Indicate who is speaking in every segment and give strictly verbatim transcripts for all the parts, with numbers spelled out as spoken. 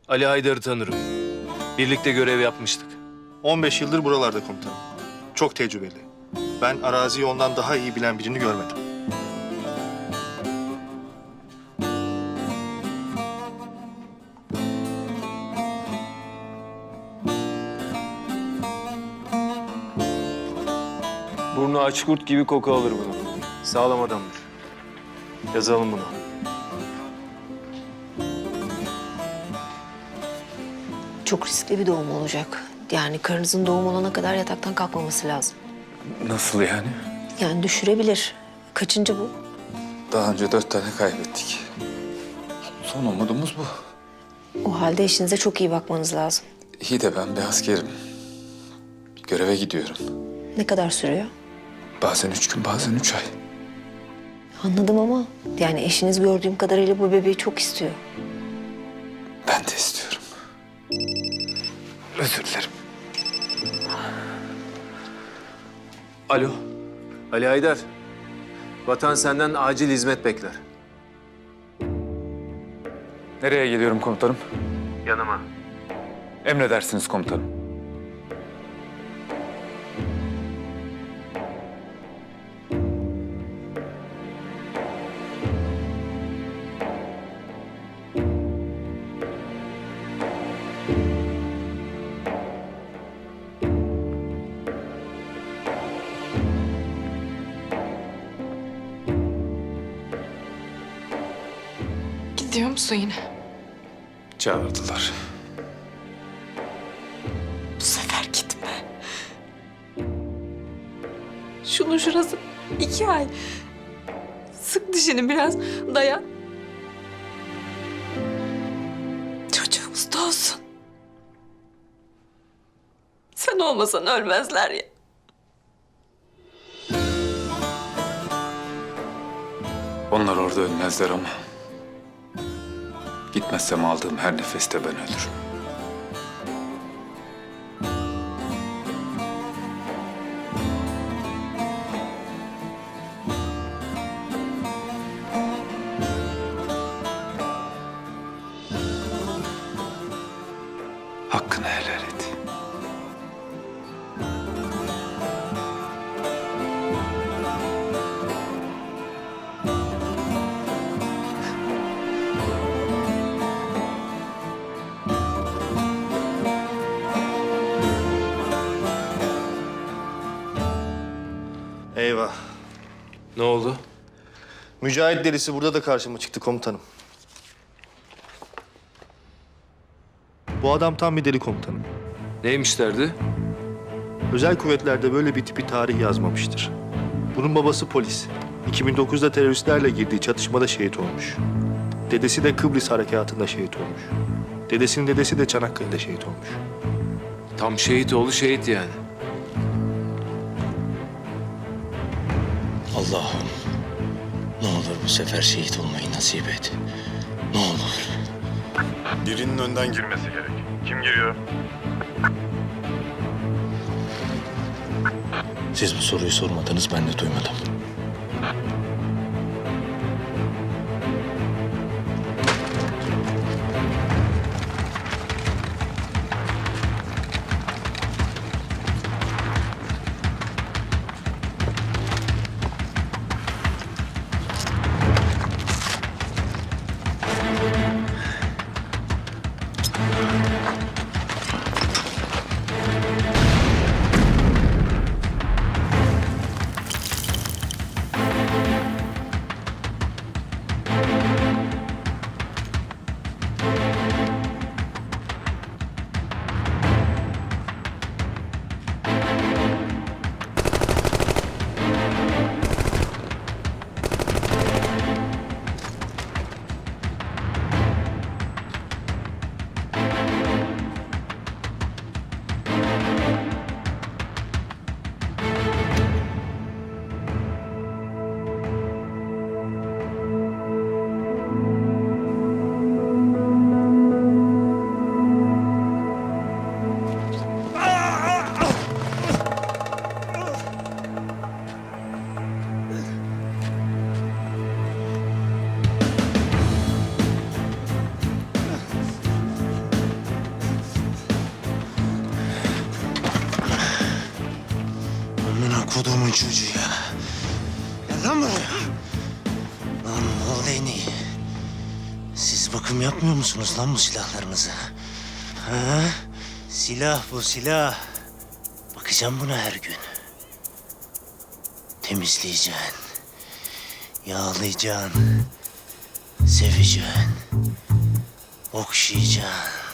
Speaker 1: Ali Haydar'ı tanırım. Birlikte görev yapmıştık.
Speaker 2: on beş yıldır buralarda komutanım. Çok tecrübeli. Ben araziyi ondan daha iyi bilen birini görmedim.
Speaker 1: Burnu aç kurt gibi koku alır bunu. Sağlam adamdır. Yazalım bunu.
Speaker 3: Çok riskli bir doğum olacak. Yani karınızın doğum olana kadar yataktan kalkmaması lazım.
Speaker 4: Nasıl yani?
Speaker 3: Yani düşürebilir. Kaçıncı bu?
Speaker 4: Daha önce dört tane kaybettik. Son umudumuz bu.
Speaker 3: O halde eşinize çok iyi bakmanız lazım.
Speaker 4: İyi de ben bir askerim. Göreve gidiyorum.
Speaker 3: Ne kadar sürüyor?
Speaker 4: Bazen üç gün, bazen üç ay.
Speaker 3: Anladım ama yani eşiniz gördüğüm kadarıyla bu bebeği çok istiyor.
Speaker 4: Ben de istiyorum. Özür dilerim.
Speaker 1: Alo. Ali Haydar. Vatan senden acil hizmet bekler.
Speaker 4: Nereye geliyorum komutanım?
Speaker 1: Yanıma.
Speaker 4: Emredersiniz komutanım.
Speaker 5: Gidiyor musun yine?
Speaker 4: Çağırdılar.
Speaker 5: Bu sefer gitme. Şunun şurası iki ay. Sık dişini biraz, dayan. Çocuğumuz da olsun. Sen olmasan ölmezler ya.
Speaker 4: Onlar orada ölmezler ama... gitmezsem aldığım her nefeste ben ölürüm. Hakkını helal et.
Speaker 2: Eyvah.
Speaker 1: Ne oldu?
Speaker 2: Mücahit delisi burada da karşıma çıktı komutanım. Bu adam tam bir deli komutanım.
Speaker 1: Neymiş derdi?
Speaker 2: Özel kuvvetlerde böyle bir tipi tarih yazmamıştır. Bunun babası polis. iki bin dokuzda teröristlerle girdiği çatışmada şehit olmuş. Dedesi de Kıbrıs harekatında şehit olmuş. Dedesinin dedesi de Çanakkale'de şehit olmuş.
Speaker 1: Tam şehit oğlu şehit yani.
Speaker 6: Allah'ım ne olur bu sefer şehit olmayı nasip et. Ne olur.
Speaker 7: Birinin önden girmesi gerek. Kim giriyor?
Speaker 6: Siz bu soruyu sormadınız, ben de duymadım. çocuğu ya. Gel lan buraya. Lan Moldeni. Siz bakım yapmıyor musunuz lan bu silahlarınıza? Ha? Silah bu silah. Bakacağım buna her gün. Temizleyeceksin. Yağlayacaksın. Seveceksin. Okşayacaksın.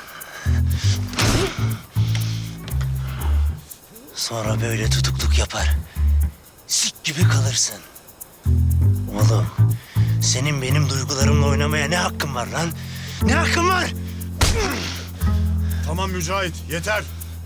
Speaker 6: Sonra böyle tutukluk yapar. Sik gibi kalırsın. Oğlum, senin benim duygularımla oynamaya ne hakkın var lan? Ne hakkın var?
Speaker 7: Tamam Mücahit, yeter.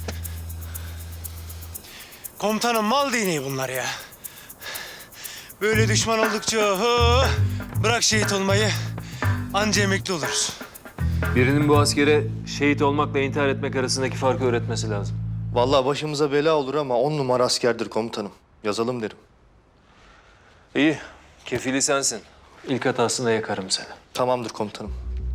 Speaker 6: Komutanım mal değneği bunlar ya. Böyle düşman oldukça oho, bırak şehit olmayı. Anca emekli oluruz.
Speaker 1: Birinin bu askere şehit olmakla intihar etmek arasındaki farkı öğretmesi lazım.
Speaker 2: Vallahi başımıza bela olur ama on numara askerdir komutanım. Yazalım derim.
Speaker 1: İyi, kefili sensin. İlk hatasında yakarım seni.
Speaker 2: Tamamdır komutanım.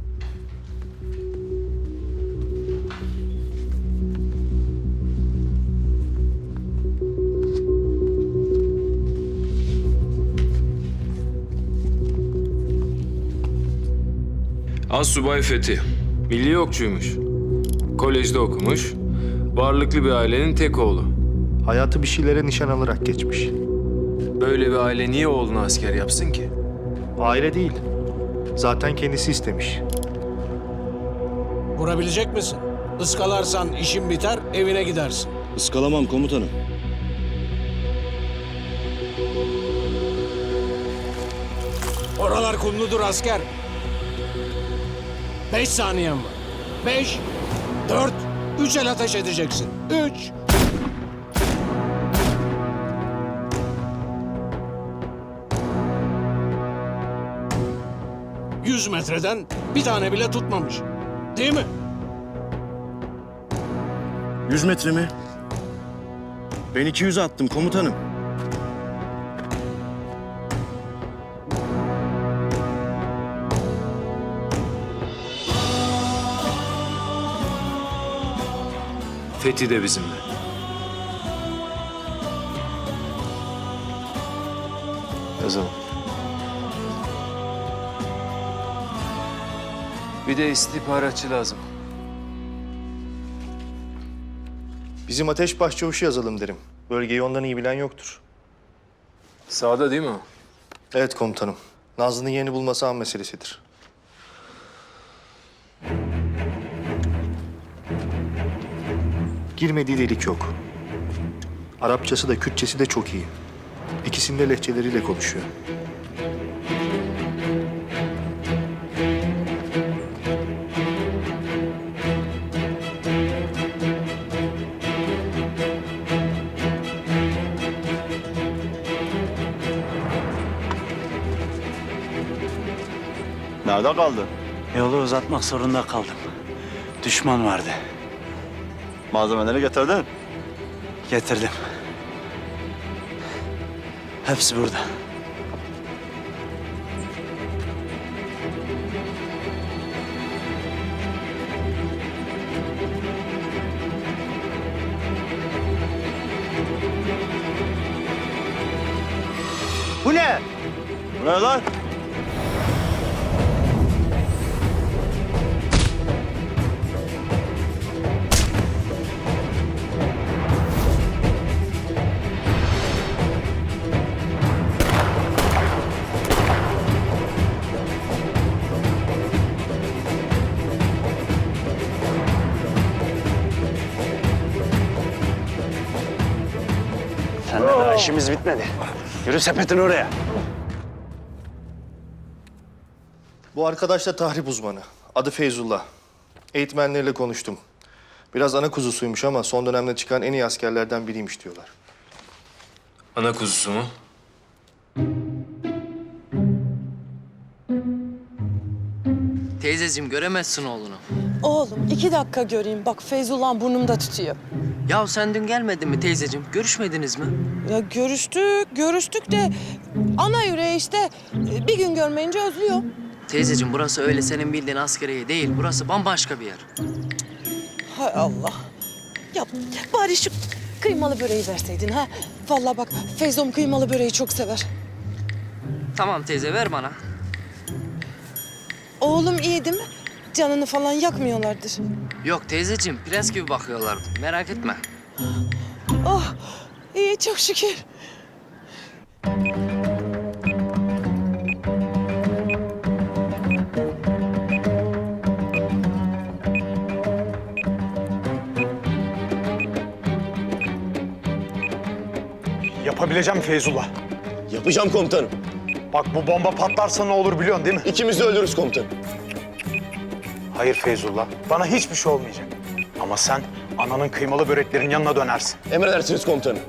Speaker 8: Assubay Fethi, milli okçuymuş. Kolejde okumuş. Varlıklı bir ailenin tek oğlu.
Speaker 2: Hayatı bir şeylere nişan alarak geçmiş.
Speaker 1: Böyle bir aile niye oğlunu asker yapsın ki?
Speaker 2: Aile değil. Zaten kendisi istemiş.
Speaker 9: Vurabilecek misin? Iskalarsan işin biter, evine gidersin.
Speaker 6: Iskalamam komutanım.
Speaker 9: Oralar kumludur asker. Beş saniyen var. Beş, dört, üç el ateş edeceksin. Üç. Yüz metreden bir tane bile tutmamış. Değil mi?
Speaker 6: Yüz metre mi? Ben iki yüz attım komutanım.
Speaker 1: Fethi de bizimle. Yazalım. Bir de istihbaratçı lazım.
Speaker 2: Bizim ateş başçavuşu yazalım derim. Bölgeyi ondan iyi bilen yoktur.
Speaker 1: Sağda değil mi o?
Speaker 2: Evet komutanım. Nazlı'nın yerini bulması an meselesidir. Girmediği delik yok. Arapçası da Kürtçesi de çok iyi. İkisinde lehçeleriyle konuşuyor.
Speaker 6: Nerede kaldı? Yolu uzatmak zorunda kaldım. Düşman vardı. Malzemeleri getirdin? Getirdim. Hepsi burada. Bu ne? Bu ne lan? Seninle daha işimiz bitmedi. Yürü sepetin oraya.
Speaker 2: Bu arkadaş da tahrip uzmanı. Adı Feyzullah. Eğitmenleriyle konuştum. Biraz ana kuzusuymuş ama son dönemde çıkan en iyi askerlerden biriymiş diyorlar.
Speaker 1: Ana kuzusu mu?
Speaker 10: Teyzeciğim göremezsin oğlunu.
Speaker 5: Oğlum iki dakika göreyim. Bak Feyzullah burnumda tutuyor.
Speaker 10: Ya sen dün gelmedin mi teyzeciğim? Görüşmediniz mi?
Speaker 5: Ya görüştük, görüştük de ana yüreği işte bir gün görmeyince özlüyor.
Speaker 10: Teyzeciğim burası öyle senin bildiğin askeriye değil. Burası bambaşka bir yer.
Speaker 5: Hay Allah. Ya bari şu kıymalı böreği verseydin ha. Vallahi bak Feyzom kıymalı böreği çok sever.
Speaker 10: Tamam teyze ver bana.
Speaker 5: Oğlum iyi değil mi? Canını falan yakmıyorlardır.
Speaker 10: Yok teyzeciğim prens gibi bakıyorlardı. Merak etme.
Speaker 5: Oh iyi çok şükür.
Speaker 11: Yapabileceğim Feyzullah.
Speaker 2: Yapacağım komutanım.
Speaker 11: Bak bu bomba patlarsa ne olur biliyorsun değil mi?
Speaker 2: İkimiz de ölürüz komutanım.
Speaker 11: Hayır Feyzullah. Bana hiçbir şey olmayacak. Ama sen ananın kıymalı böreklerin yanına dönersin.
Speaker 2: Emredersiniz komutanım.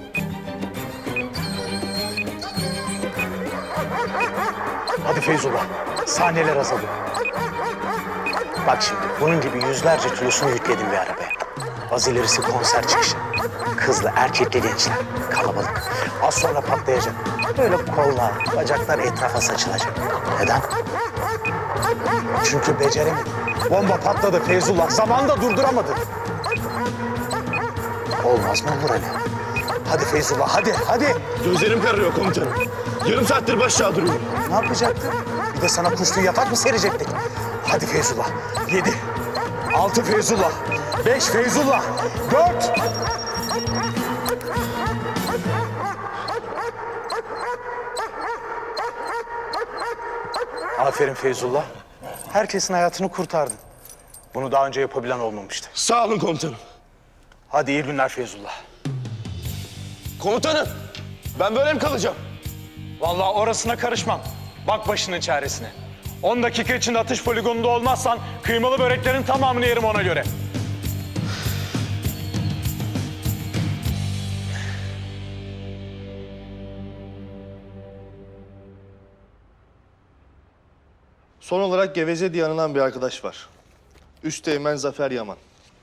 Speaker 11: Hadi Feyzullah. Saniyeler azalıyor. Bak şimdi bunun gibi yüzlerce kilosunu yükledim bir arabaya. Az ilerisi konser çıkışı. Kızlı, erkekli gençler. Kalabalık. Az sonra patlayacak. Böyle kollar, bacaklar etrafa saçılacak. Neden? Çünkü beceremedim. Bomba patladı Feyzullah. Zamanında durduramadı. Olmaz mı olur öyle? Hadi Feyzullah, hadi, hadi.
Speaker 2: Gözlerim kararıyor komutanım. Yarım saattir baş aşağı duruyorum.
Speaker 11: Ne yapacaktın? Bir de sana kuşlu yatak mı serecektik? Hadi Feyzullah. Yedi. Altı Feyzullah. Beş Feyzullah. Dört. Aferin Feyzullah. Herkesin hayatını kurtardın. Bunu daha önce yapabilen olmamıştı.
Speaker 2: Sağ olun komutanım.
Speaker 11: Hadi iyi günler Feyzullah.
Speaker 2: Komutanım, ben böyle mi kalacağım?
Speaker 11: Vallahi orasına karışmam. Bak başının çaresine. On dakika içinde atış poligonunda olmazsan kıymalı böreklerin tamamını yerim ona göre.
Speaker 2: Son olarak Geveze diye anılan bir arkadaş var. Üsteğmen Zafer Yaman.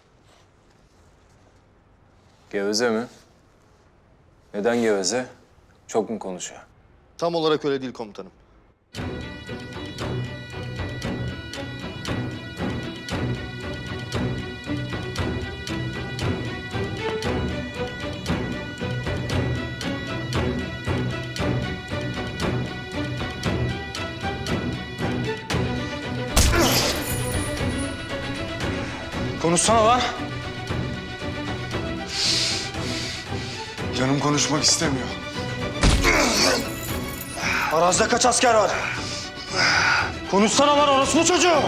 Speaker 1: Geveze mi? Neden geveze? Çok mu konuşuyor?
Speaker 2: Tam olarak öyle değil komutanım.
Speaker 11: Konuşsana lan.
Speaker 7: Canım konuşmak istemiyor.
Speaker 11: Arazide kaç asker var? Konuşsana lan orospu çocuğu.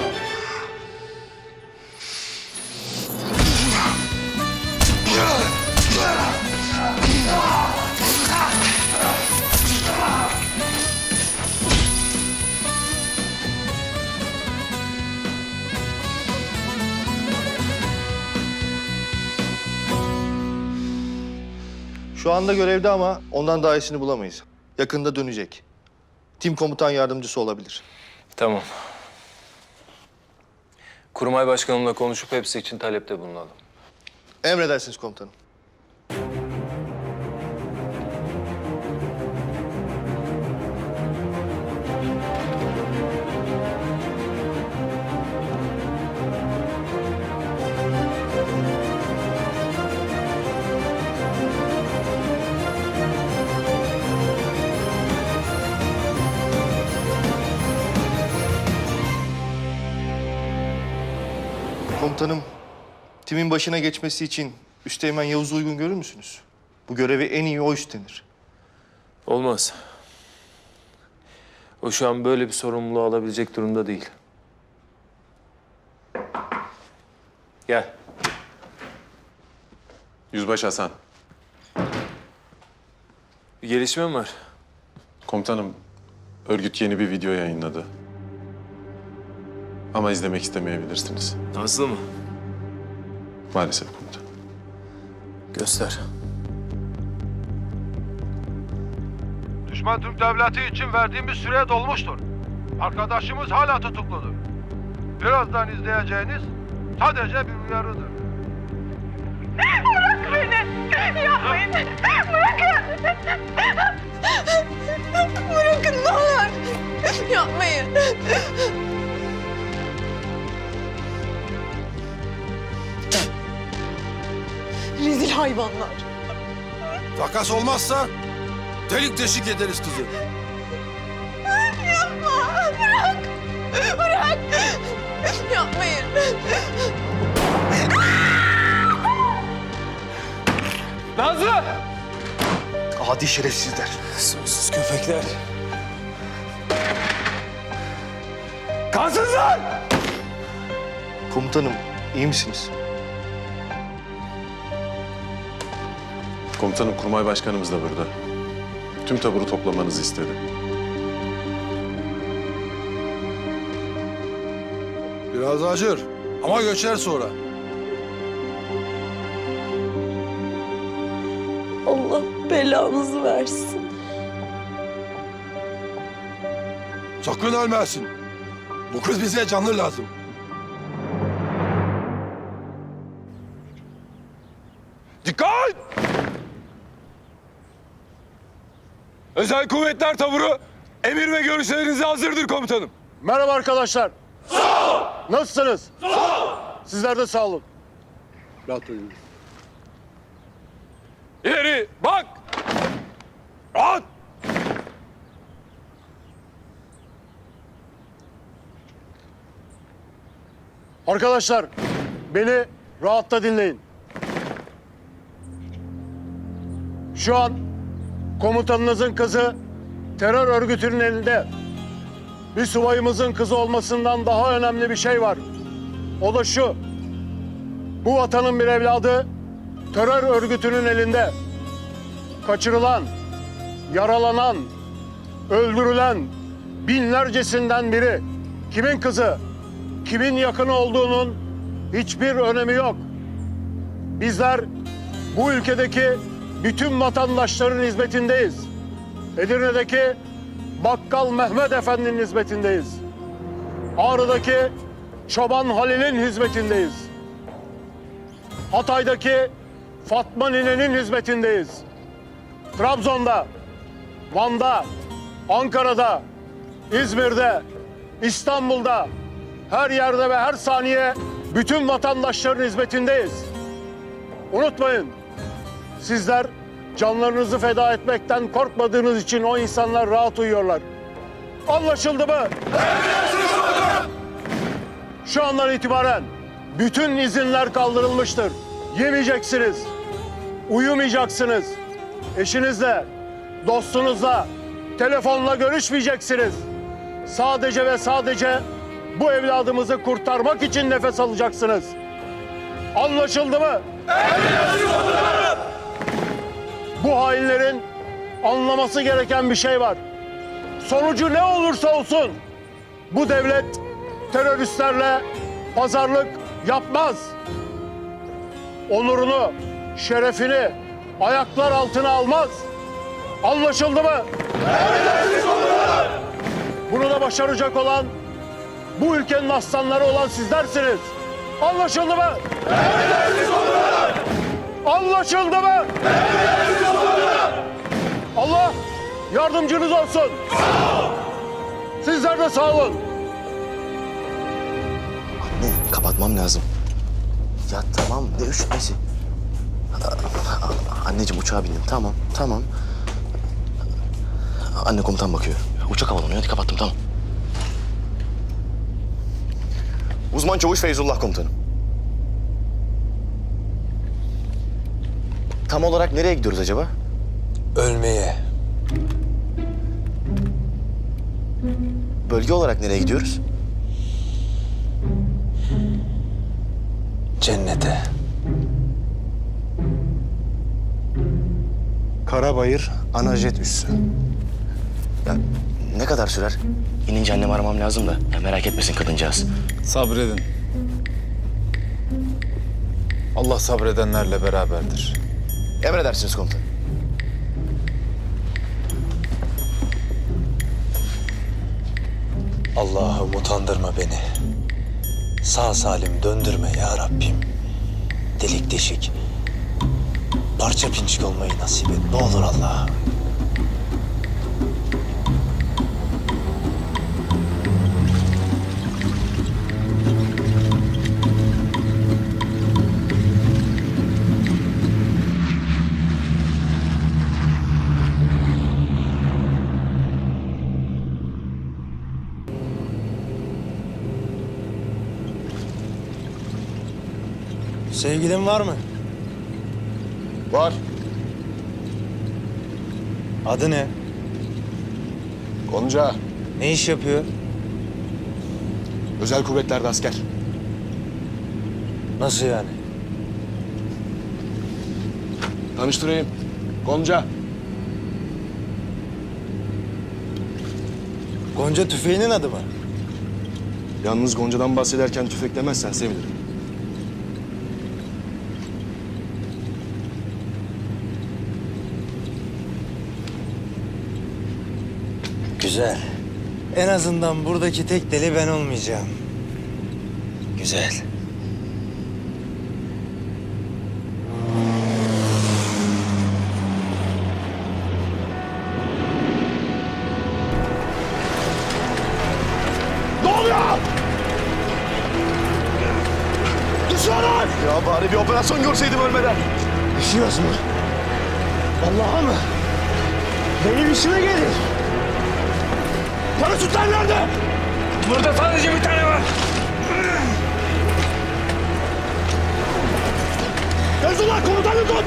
Speaker 2: Şu anda görevde ama ondan daha iyisini bulamayız. Yakında dönecek. Tim komutan yardımcısı olabilir.
Speaker 1: Tamam. Kurmay başkanımla konuşup hepsi için talepte bulunalım.
Speaker 2: Emredersiniz komutanım. Komutanım, timin başına geçmesi için Üsteğmen Yavuz'u uygun görür müsünüz? Bu görevi en iyi o üstlenir.
Speaker 1: Olmaz. O şu an böyle bir sorumluluğu alabilecek durumda değil. Gel.
Speaker 7: Yüzbaşı Hasan.
Speaker 1: Bir gelişme mi var?
Speaker 7: Komutanım, örgüt yeni bir video yayınladı. Ama izlemek istemeyebilirsiniz.
Speaker 1: Nazlı mı?
Speaker 7: Maalesef komutanım.
Speaker 1: Göster.
Speaker 12: Düşman Türk Devleti için verdiğimiz süre dolmuştur. Arkadaşımız hala tutukludur. Birazdan izleyeceğiniz sadece bir uyarıdır.
Speaker 13: Bırak beni! Yapmayın! Bırakın! Bırakın ne olur! Yapmayın! Rezil hayvanlar!
Speaker 12: Takas olmazsa delik deşik ederiz kızı.
Speaker 13: Yapma. Bırak. Bırak. Yapmayın.
Speaker 8: Nazlı!
Speaker 2: Adi şerefsizler.
Speaker 8: Soysuz köpekler. Kansızlar!
Speaker 2: Komutanım, iyi misiniz?
Speaker 7: Komutanım, Kurmay Başkanımız da burada. Tüm taburu toplamanızı istedi.
Speaker 12: Biraz acır ama göçer sonra.
Speaker 13: Allah belanızı versin.
Speaker 12: Sakın ölmesin. Bu kız bize canlı lazım.
Speaker 8: Dikkat! Özel Kuvvetler Taburu emir ve görüşlerinize hazırdır komutanım.
Speaker 12: Merhaba arkadaşlar. Sağ ol. Nasılsınız? Sağ ol. Sizler de sağ olun. Rahat olun.
Speaker 8: İleri bak! Rahat!
Speaker 12: Arkadaşlar, beni rahatta dinleyin. Şu an komutanınızın kızı terör örgütünün elinde. Bir subayımızın kızı olmasından daha önemli bir şey var. O da şu. Bu vatanın bir evladı terör örgütünün elinde. Kaçırılan, yaralanan, öldürülen binlercesinden biri. Kimin kızı, kimin yakını olduğunun hiçbir önemi yok. Bizler bu ülkedeki bütün vatandaşların hizmetindeyiz. Edirne'deki Bakkal Mehmet Efendi'nin hizmetindeyiz. Ağrı'daki Çoban Halil'in hizmetindeyiz. Hatay'daki Fatma Nine'nin hizmetindeyiz. Trabzon'da, Van'da, Ankara'da, İzmir'de, İstanbul'da, her yerde ve her saniye bütün vatandaşların hizmetindeyiz. Unutmayın, sizler canlarınızı feda etmekten korkmadığınız için o insanlar rahat uyuyorlar. Anlaşıldı mı? Şu andan itibaren bütün izinler kaldırılmıştır. Yemeyeceksiniz, uyumayacaksınız. Eşinizle, dostunuzla, telefonla görüşmeyeceksiniz. Sadece ve sadece bu evladımızı kurtarmak için nefes alacaksınız. Anlaşıldı mı? Bu hainlerin anlaması gereken bir şey var. Sonucu ne olursa olsun bu devlet teröristlerle pazarlık yapmaz. Onurunu, şerefini ayaklar altına almaz. Anlaşıldı mı? Bunu da başaracak olan bu ülkenin aslanları olan sizlersiniz. Anlaşıldı mı? Anlaşıldı mı? Allah yardımcınız olsun. Sizler de sağ olun.
Speaker 11: Anne, kapatmam lazım. Ya tamam, ne üşümesi? Anneciğim uçağa bindim, tamam, tamam. Anne komutan bakıyor. Uçak havalanıyor, hadi kapattım, tamam. Uzman çavuş Feyzullah komutanım. Tam olarak nereye gidiyoruz acaba?
Speaker 6: Ölmeye.
Speaker 11: Bölge olarak nereye gidiyoruz?
Speaker 6: Cennete.
Speaker 11: Karabayır Anajet üssü. Ya ne kadar sürer? İnince annemi aramam lazım da. Ya merak etmesin kadıncağız.
Speaker 4: Sabredin. Allah sabredenlerle beraberdir.
Speaker 11: Emredersiniz komutanım.
Speaker 6: Allah'ım utandırma beni. Sağ salim döndürme ya Rabbim. Delik deşik. Parça pinçik olmayı nasip et. Ne olur Allah'ım. Sevgilin var mı?
Speaker 7: Var.
Speaker 6: Adı ne?
Speaker 7: Gonca.
Speaker 6: Ne iş yapıyor?
Speaker 7: Özel kuvvetlerde asker.
Speaker 6: Nasıl yani?
Speaker 7: Tanıştırayım. Gonca.
Speaker 6: Gonca tüfeğinin adı mı?
Speaker 7: Yalnız Gonca'dan bahsederken tüfek demezsen sevinirim.
Speaker 6: Güzel. En azından buradaki tek deli ben olmayacağım. Güzel.
Speaker 7: Ne oluyor? Düşmanlar! Ya bari bir operasyon görseydim ölmeden.
Speaker 6: Düşüyoruz mu? Vallahi mı? Benim işime gelir.
Speaker 7: Paraşütler nerede?
Speaker 8: Burada sadece bir tane var.
Speaker 7: Feyzullah komutanım tut!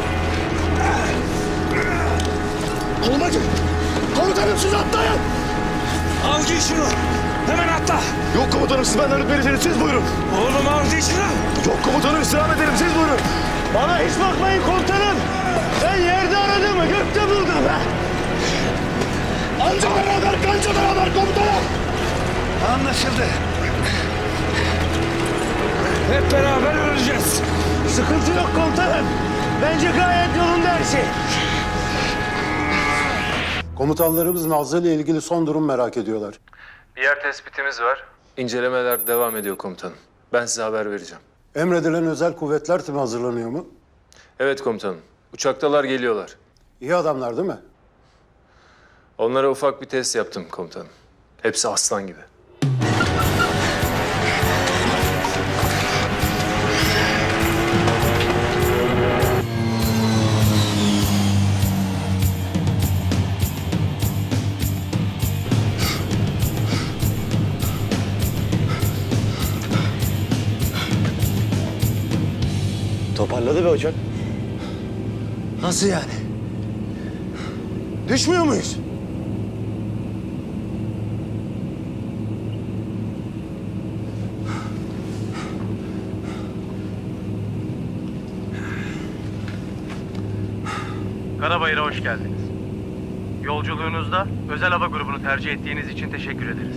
Speaker 7: Olmadı. Komutanım siz atlayın.
Speaker 8: Al giy şunu. Hemen atla.
Speaker 7: Yok komutanım siz benden rütbelisiniz siz buyurun.
Speaker 8: Oğlum al giy şunu.
Speaker 7: Yok komutanım istirham ederim siz buyurun.
Speaker 6: Bana hiç bakmayın komutanım. Ben yerde aradığımı gökte buldum ha.
Speaker 7: Anca beraber kanca beraber komutanım.
Speaker 6: Anlaşıldı.
Speaker 8: Hep beraber öleceğiz.
Speaker 6: Sıkıntı yok komutanım. Bence gayet yolunda her şey.
Speaker 9: Komutanlarımız Nazlı ile ilgili son durum merak ediyorlar.
Speaker 1: Bir yer tespitimiz var. İncelemeler devam ediyor komutanım. Ben size haber vereceğim.
Speaker 9: Emredilen özel kuvvetler timi hazırlanıyor mu?
Speaker 1: Evet komutanım. Uçaktalar geliyorlar.
Speaker 9: İyi adamlar değil mi?
Speaker 1: Onlara ufak bir test yaptım komutanım. Hepsi aslan gibi.
Speaker 6: Toparladı be hocam. Nasıl yani? Düşmüyor muyuz?
Speaker 12: Karabayır'a hoş geldiniz. Yolculuğunuzda özel hava grubunu tercih ettiğiniz için teşekkür ederiz.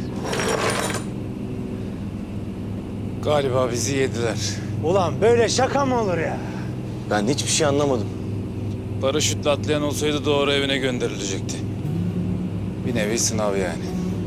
Speaker 8: Galiba bizi yediler.
Speaker 6: Ulan böyle şaka mı olur ya?
Speaker 7: Ben hiçbir şey anlamadım.
Speaker 8: Paraşütle atlayan olsaydı doğru evine gönderilecekti. Bir nevi sınav yani.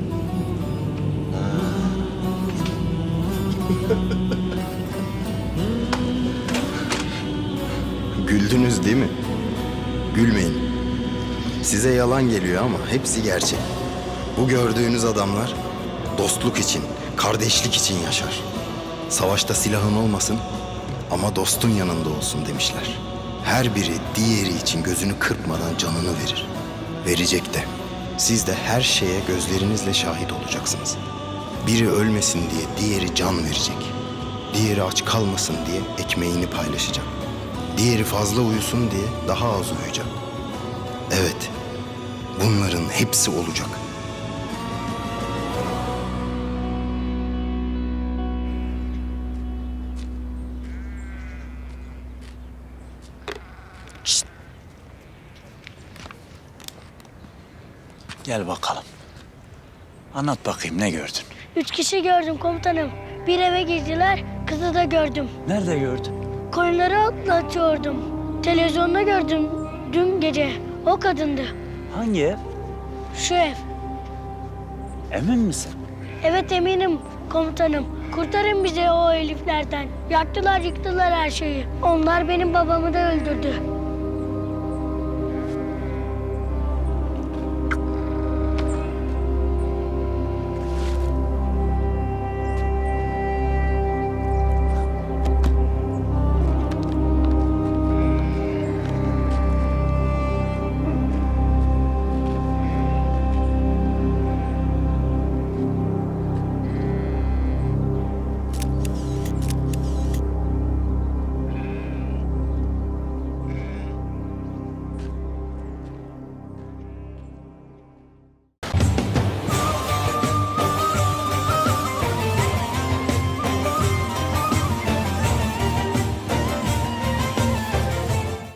Speaker 14: Güldünüz değil mi? Gülmeyin. Size yalan geliyor ama hepsi gerçek. Bu gördüğünüz adamlar dostluk için, kardeşlik için yaşar. Savaşta silahın olmasın ama dostun yanında olsun demişler. Her biri diğeri için gözünü kırpmadan canını verir. Verecek de. Siz de her şeye gözlerinizle şahit olacaksınız. Biri ölmesin diye diğeri can verecek. Diğeri aç kalmasın diye ekmeğini paylaşacak. Diğeri fazla uyusun diye daha az uyuyacak. Evet, bunların hepsi olacak.
Speaker 11: Gel bakalım. Anlat bakayım ne gördün?
Speaker 13: Üç kişi gördüm komutanım. Bir eve girdiler, kızı da gördüm.
Speaker 11: Nerede gördün?
Speaker 13: Koyunları atlatıyordum. Televizyonda gördüm dün gece. O kadındı.
Speaker 11: Hangi ev?
Speaker 13: Şu ev.
Speaker 11: Emin misin?
Speaker 13: Evet eminim komutanım. Kurtarın bizi o heriflerden. Yaktılar yıktılar her şeyi. Onlar benim babamı da öldürdü.